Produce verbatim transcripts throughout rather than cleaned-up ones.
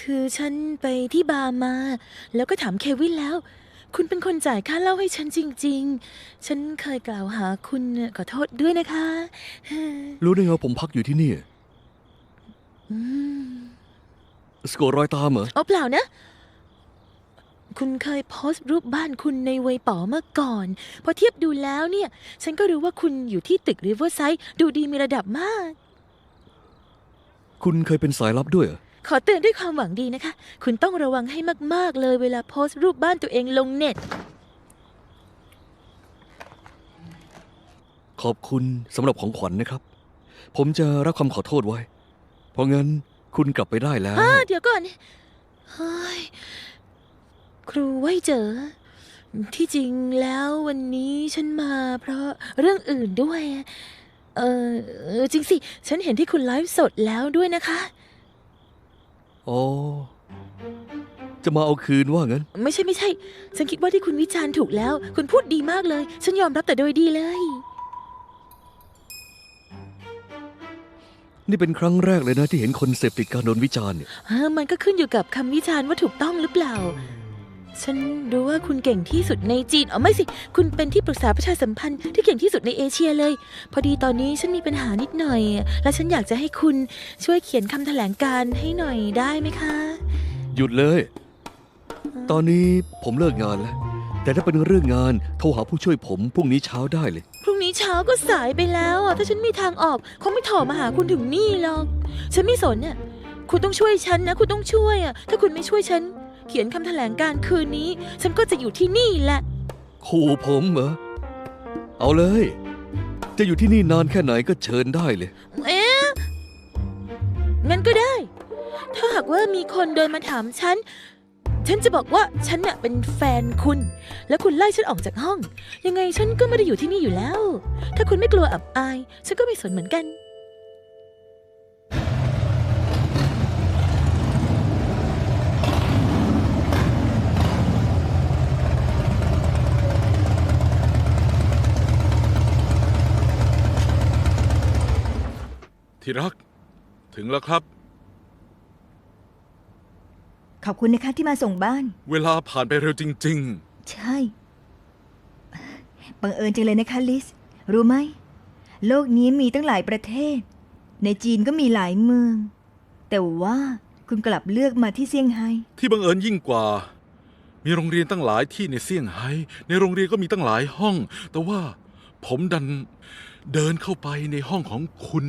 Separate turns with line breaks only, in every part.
คือฉันไปที่บาร์มาแล้วก็ถามเควินแล้วคุณเป็นคนจ่ายค่าเหล้าให้ฉันจริงๆฉันเคยกล่าวหาคุณขอโทษด้วยนะคะ
รู้ได้ไงว่าผมพักอยู่ที่นี่
อืม
สะกดรอยตามเหรอ
เอาเปล่านะคุณเคยโพสต์รูปบ้านคุณในเวยป๋อเมื่อก่อนพอเทียบดูแล้วเนี่ยฉันก็รู้ว่าคุณอยู่ที่ตึกริเวอร์ไซด์ดูดีมีระดับมาก
คุณเคยเป็นสายลับด้วยเหรอ
ขอเตือนด้วยความหวังดีนะคะคุณต้องระวังให้มากๆเลยเวลาโพสต์รูปบ้านตัวเองลงเน็ต
ขอบคุณสำหรับของขวัญนะครับ ผมจะรับคำขอโทษไว้ เพราะงั้นคุณกลับไปได้แล้ว
อ่าเดี๋ยวก่อนเฮ้ยครูไว้เจอ ที่จริงแล้ววันนี้ฉันมาเพราะเรื่องอื่นด้วย เออเออจริงสิ ฉันเห็นที่คุณไลฟ์สดแล้วด้วยนะคะ
อ๋อ จะมาเอาคืนว่างั้น
ไม่ใช่ไม่ใช่ ฉันคิดว่าที่คุณวิจารณ์ถูกแล้ว คุณพูดดีมากเลย ฉันยอมรับแต่โดยดีเลย
นี่เป็นครั้งแรกเลยนะที่เห็นคนเสพติดการโดนวิจารณ์เนี่ย
เออมันก็ขึ้นอยู่กับคำวิจารณ์ว่าถูกต้องหรือเปล่า ฉันรู้ว่าคุณเก่งที่สุดในจีนอ๋อไม่สิ คุณเป็นที่ปรึกษาประชาสัมพันธ์ที่เก่งที่สุดในเอเชียเลย พอดีตอนนี้ฉันมีปัญหานิดหน่อย และฉันอยากจะให้คุณช่วยเขียนคำแถลงการณ์ให้หน่อยได้ไหมคะ
หยุดเลย ตอนนี้ผมเลิกงานแล้ว แต่ถ้าเป็นเรื่องงานโทรหาผู้ช่วยผมพรุ่งนี้เช้าได้เลย
พรุ่งนี้เช้าก็สายไปแล้วอ่ะถ้าฉันมีทางออกคงไม่โถมาหาคุณถึงนี่หรอก ฉันไม่สนน่ะคุณต้องช่วยฉันนะ คุณต้องช่วยอ่ะ ถ้าคุณไม่ช่วยฉัน เขียนคำแถลงการณ์คืนนี้ ฉันก็จะอยู่ที่นี่แหละ
ขู่ผมเหรอ เอาเลย จะอยู่ที่นี่นานแค่ไหนก็เชิญได้เลย
เอ๊ะงั้นก็ได้ ถ้าหากว่ามีคนเดินมาถามฉัน ฉันจะบอกว่าฉันน่ะเป็นแฟนคุณ แล้วคุณไล่ฉันออกจากห้อง ยังไงฉันก็ไม่ได้อยู่ที่นี่อยู่แล้ว ถ้าคุณไม่กลัวอับอาย ฉันก็ไม่สนเหมือนกัน
ที่รัก ถึงแล้วครับ
ขอบคุณนะคะที่มาส่งบ้าน
เวลาผ่านไปเร็วจริง
ใช่ บังเอิญจังเลยนะคะลิส รู้ไหม โลกนี้มีตั้งหลายประเทศ ในจีนก็มีหลายเมือง แต่ว่าคุณกลับเลือกมาที่เซี่ยงไฮ้
ๆ ที่บังเอิญยิ่งกว่า มีโรงเรียนตั้งหลายที่ในเซี่ยงไฮ้ในโรงเรียนก็มีตั้งหลายห้อง แต่ว่าผมดันเดินเข้าไปในห้องของคุณ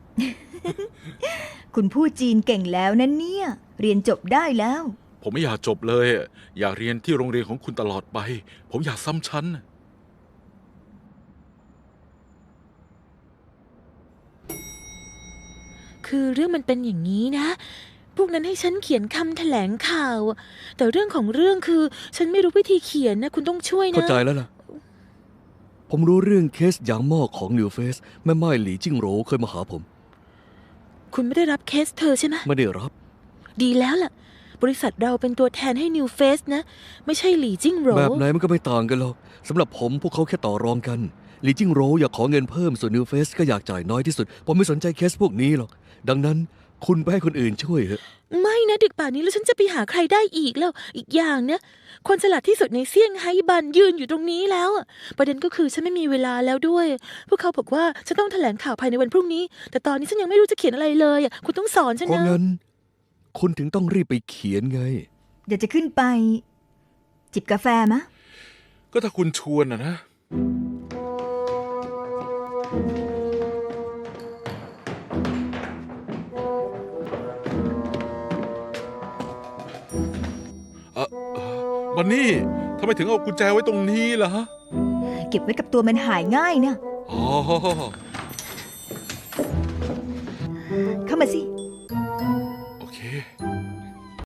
คุณพูดจีนเก่งแล้วนะเนี่ย เรียนจบได้แล้ว
ผมไม่อยากจบเลย อยากเรียนที่โรงเรียนของคุณตลอดไป ผมอยากซ้ำชั้น
คือเรื่องมันเป็นอย่างนี้นะ พวกนั้นให้ฉันเขียนคำแถลงข่าว แต่เรื่องของเรื่องคือ ฉันไม่รู้วิธีเขียนนะ คุณต้องช่วยนะ
เข้าใจแล้วล่ะ ผมรู้เรื่องเคสยางหม้อของนิวเฟสแม่ไม้หลี่จิ้งโหรเคยมาหาผม
คุณไม่ได้รับเคสเธอใช่ไหม
ไม่ได้รับ
ดีแล้วล่ะ บริษัทเราเป็นตัวแทนให้ New Face นะ ไม่ใช่หลี่จิ้งโหร
แบบไหนมันก็ไม่ต่างกันหรอกสำหรับผมพวกเขาแค่ต่อรองกันหลี่จิ้งโหรอยากขอเงินเพิ่มส่วนนิวเฟสก็อยากจ่ายน้อยที่สุด ผมไม่สนใจเคสพวกนี้หรอก ดังนั้นคุณไปให้คนอื่นช่วยเถอะ
ไม่นะดึกป่านนี้แล้วฉันจะไปหาใครได้อีกแล้ว อีกอย่างนะ คนฉลาดที่สุดในเซี่ยงไฮ้บันยืนอยู่ตรงนี้แล้วอะประเด็นก็คือฉันไม่มีเวลาแล้วด้วย พวกเขาบอกว่าฉันต้องแถลงข่าวภายในวันพรุ่งนี้ แต่ตอนนี้ฉันยังไม่รู้จะเขียนอะไรเลยอะคุณต้องสอนฉัน
เพราะ
นะ
งั้น คุณถึงต้องรีบไปเขียนไง
อยากจะขึ้นไป จิบกาแฟมะ
ก็ถ้าคุณชวนนะนะ เอ่อเอ่อบันนี่ทำไมถึงเอากุญแจไว้ตรงนี้ล่ะฮะ
เก็บไว้กับตัวมันหายง่ายนะ
อ๋อ
เข้ามาสิ